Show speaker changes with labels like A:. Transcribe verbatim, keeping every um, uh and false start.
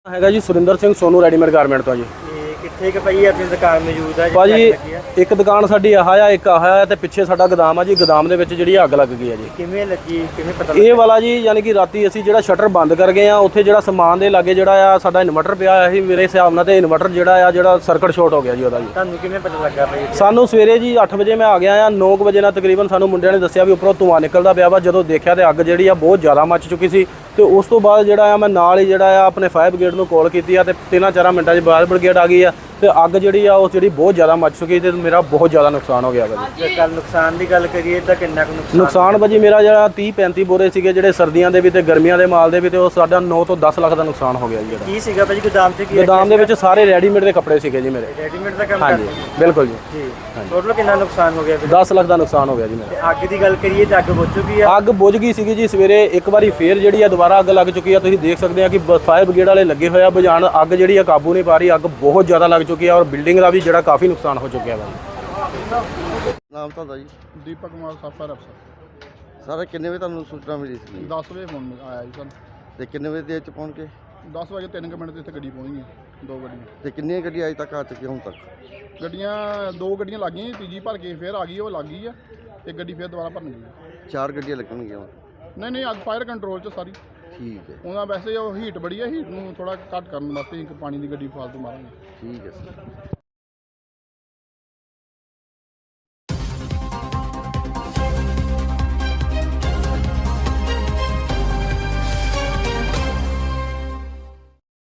A: ਹੈਗਾ ਜੀ Surinder Singh Sonu readymade garment ਤੋਂ ਜੀ।
B: ਤੇ ਕਿੱਥੇ ਕਿ ਪਈ ਆਪਣੀ ਦੁਕਾਨ ਮੌਜੂਦ ਹੈ
A: ਭਾਜੀ ਇੱਕ ਦੁਕਾਨ ਸਾਡੀ ਆਹ ਆ, ਇੱਕ ਆਹ ਆ ਤੇ ਪਿੱਛੇ ਸਾਡਾ ਗੋਦਾਮ ਆ ਜੀ। ਗੋਦਾਮ ਦੇ ਵਿੱਚ ਜਿਹੜੀ ਅੱਗ ਲੱਗ ਗਈ ਆ ਜੀ।
B: ਕਿਵੇਂ ਲੱਗੀ, ਕਿਵੇਂ ਪਤਾ
A: ਇਹ ਵਾਲਾ ਜੀ ਯਾਨੀ ਕਿ ਰਾਤੀ ਅਸੀਂ ਜਿਹੜਾ ਸ਼ਟਰ ਬੰਦ ਕਰ ਗਏ ਆ, ਉੱਥੇ ਜਿਹੜਾ ਸਮਾਨ ਦੇ ਲਾਗੇ ਜਿਹੜਾ ਆ ਸਾਡਾ ਇਨਵਰਟਰ ਪਿਆ ਹੋਇਆ ਸੀ ਮੇਰੇ ਹਿਸਾਬ ਨਾਲ, ਤੇ ਇਨਵਰਟਰ ਜਿਹੜਾ ਆ ਜਿਹੜਾ ਸਰਕਟ ਸ਼ਾਰਟ ਹੋ ਗਿਆ ਜੀ ਉਹਦਾ ਜੀ।
B: ਤੁਹਾਨੂੰ ਕਿਵੇਂ ਪਤਾ ਲੱਗਾ ਭਾਈ?
A: ਸਾਨੂੰ ਸਵੇਰੇ ਜੀ ਅੱਠ ਵਜੇ ਮੈਂ ਆ ਗਿਆ ਆ, ਨੌ ਵਜੇ ਨਾਲ ਤਕਰੀਬਨ ਸਾਨੂੰ ਮੁੰਡਿਆਂ ਨੇ ਦੱਸਿਆ ਵੀ ਉੱਪਰੋਂ ਧੂੰਆਂ ਨਿਕਲਦਾ ਪਿਆ ਵਾ। ਜਦੋਂ ਦੇਖਿਆ ਤੇ ਅੱਗ ਜਿਹੜੀ ਆ ਬਹੁਤ ਜ਼ਿਆਦਾ ਮੱਚ ਚੁੱਕੀ ਸੀ, ਤੇ ਉਸ ਤੋਂ ਬਾਅਦ ਜਿਹੜਾ ਆ ਮੈਂ ਨਾਲ ਹੀ ਜਿਹੜਾ ਆ ਆਪਣੇ ਫਾਇਰ ਬ੍ਰਿਗੇਡ ਨੂੰ ਕਾਲ ਕੀਤੀ ਆ, ਤੇ ਤਿੰਨਾਂ ਚਾਰਾਂ ਮਿੰਟਾਂ 'ਚ ਫਾਇਰ ਬ੍ਰਿਗੇਡ ਆ ਗਈ ਆ, ਤੇ ਅੱਗ ਜਿਹੜੀ ਆ ਉਹ ਜਿਹੜੀ ਬਹੁਤ ਜ਼ਿਆਦਾ ਮੱਚ ਚੁੱਕੀ, ਤੇ ਮੇਰਾ ਬਹੁਤ ਜ਼ਿਆਦਾ ਨੁਕਸਾਨ ਹੋ ਗਿਆ ਵਾ ਜੀ।
B: ਜੇ ਕੱਲ ਨੁਕਸਾਨ ਦੀ ਗੱਲ ਕਰੀਏ ਤਾਂ ਕਿੰਨਾ ਕੁ ਨੁਕਸਾਨ?
A: ਨੁਕਸਾਨ ਭਾਜੀ ਮੇਰਾ ਜਿਹੜਾ ਤੀਹ ਪੈਂਤੀ ਬੋਰੇ ਸੀਗੇ ਜਿਹੜੇ ਸਰਦੀਆਂ ਦੇ ਵੀ ਤੇ ਗਰਮੀਆਂ ਦੇ ਮਾਲ ਦੇ ਵੀ, ਤੇ ਉਹ ਸਾਡਾ ਨੌ ਤੋਂ ਦਸ ਲੱਖ ਦਾ ਨੁਕਸਾਨ ਹੋ ਗਿਆ ਜੀ।
B: ਕੀ ਸੀਗਾ ਭਾਜੀ ਗੋਦਾਮ 'ਚ? ਕੀ
A: ਗੋਦਾਮ ਦੇ ਵਿੱਚ ਸਾਰੇ ਰੈਡੀਮੇਡ ਦੇ ਕੱਪੜੇ ਸੀਗੇ ਜੀ ਮੇਰੇ।
B: ਰੈਡੀਮੇਡ ਦਾ ਕੰਮ
A: ਹਾਂਜੀ
B: ਕਰਦੇ
A: ਬਿਲਕੁਲ ਜੀ।
B: ਜੀ। ਟੋਟਲ ਕਿੰਨਾ ਨੁਕਸਾਨ ਹੋ ਗਿਆ ਫਿਰ?
A: ਦਸ ਲੱਖ ਦਾ ਨੁਕਸਾਨ ਹੋ ਗਿਆ ਜੀ ਮੇਰਾ।
B: ਤੇ ਅੱਗ ਦੀ ਗੱਲ ਕਰੀਏ ਤਾਂ ਅੱਗ ਬੁਝ ਚੁੱਕੀ ਆ?
A: ਅੱਗ ਬੁਝ ਗਈ ਸੀਗੀ ਜੀ ਸਵੇਰੇ ਇੱਕ ਵਾਰੀ ਫੇਰ ਜਿਹੜੀ ਆ ਦੁਬਾਰਾ ਅੱਗ ਲੱਗ ਚੁੱਕੀ ਆ। ਤੁਸੀਂ ਦੇਖ ਸਕਦੇ ਆ ਕਿ ਫਾਇਰ ਬ੍ਰਿਗੇਡ ਵਾਲੇ ਲੱਗੇ ਹੋਏ ਆ ਬੁਝਾਉਣ। ਅੱਗ ਜਿਹੜੀ ਆ ਕਾਬੂ ਨਹੀਂ ਪਾ ਰਹੀ, ਅੱਗ ਬਹੁਤ ਜ਼ਿਆਦਾ ਲੱਗ ਚੁੱਕੀ ਆ, ਔਰ ਬਿਲਡਿੰਗ ਦਾ ਵੀ ਜਿਹੜਾ ਕਾਫੀ ਨੁਕਸਾਨ ਹੋ ਚੁੱਕਿਆ ਵਾ।
C: ਨਾਮ ਤੁਹਾਡਾ ਜੀ?
D: ਦੀਪਕ ਕੁਮਾਰ ਸਾਫਰ ਅਫਸਰ।
C: ਸਰ ਕਿੰਨੇ ਵਜੇ ਤੁਹਾਨੂੰ ਸੂਚਨਾ ਮਿਲੀ ਸੀ?
D: ਦਸ ਵਜੇ ਫੋਨ ਆਇਆ ਜੀ ਸਾਨੂੰ।
C: ਤੇ ਕਿੰਨੇ ਵਜੇ ਦੇ ਵਿੱਚ ਪਹੁੰਚ ਕੇ?
D: ਦਸ ਵਜੇ ਤਿੰਨ ਕੁ ਮਿੰਟ ਤੇ ਇੱਥੇ ਗੱਡੀ ਪਹੁੰਚ ਗਈ, ਦੋ ਗੱਡੀਆਂ।
C: ਤੇ ਕਿੰਨੀਆਂ ਗੱਡੀਆਂ ਅਜੇ ਤੱਕ ਆ ਚੁੱਕੀਆਂ ਹੁਣ ਤੱਕ?
D: ਗੱਡੀਆਂ ਦੋ ਗੱਡੀਆਂ ਲੱਗ ਗਈਆਂ, ਤੀਜੀ ਭਰ ਕੇ ਫਿਰ ਆ ਗਈ, ਉਹ ਲੱਗ ਗਈ ਆ। ਇੱਕ ਗੱਡੀ ਫਿਰ ਦੁਬਾਰਾ ਭਰਨ ਗਈ।
C: ਚਾਰ ਗੱਡੀਆਂ ਲੱਗਣਗੀਆਂ ਹੁਣ?
D: ਨਹੀਂ ਨਹੀਂ, ਅੱਗ ਫਾਇਰ ਕੰਟਰੋਲ 'ਚ ਸਾਰੀ।
C: ਠੀਕ ਹੈ,
D: ਉਹਨਾਂ ਵੈਸੇ ਉਹ ਹੀਟ ਬੜੀ ਆ, ਹੀਟ ਨੂੰ ਥੋੜਾ ਘੱਟ ਕਰਨ ਵਾਸਤੇ ਇੱਕ ਪਾਣੀ ਦੀ ਗੱਡੀ ਫਾਲਤੂ ਮਾਰਾਂਗੇ।
C: ਠੀਕ ਹੈ ਸਰ।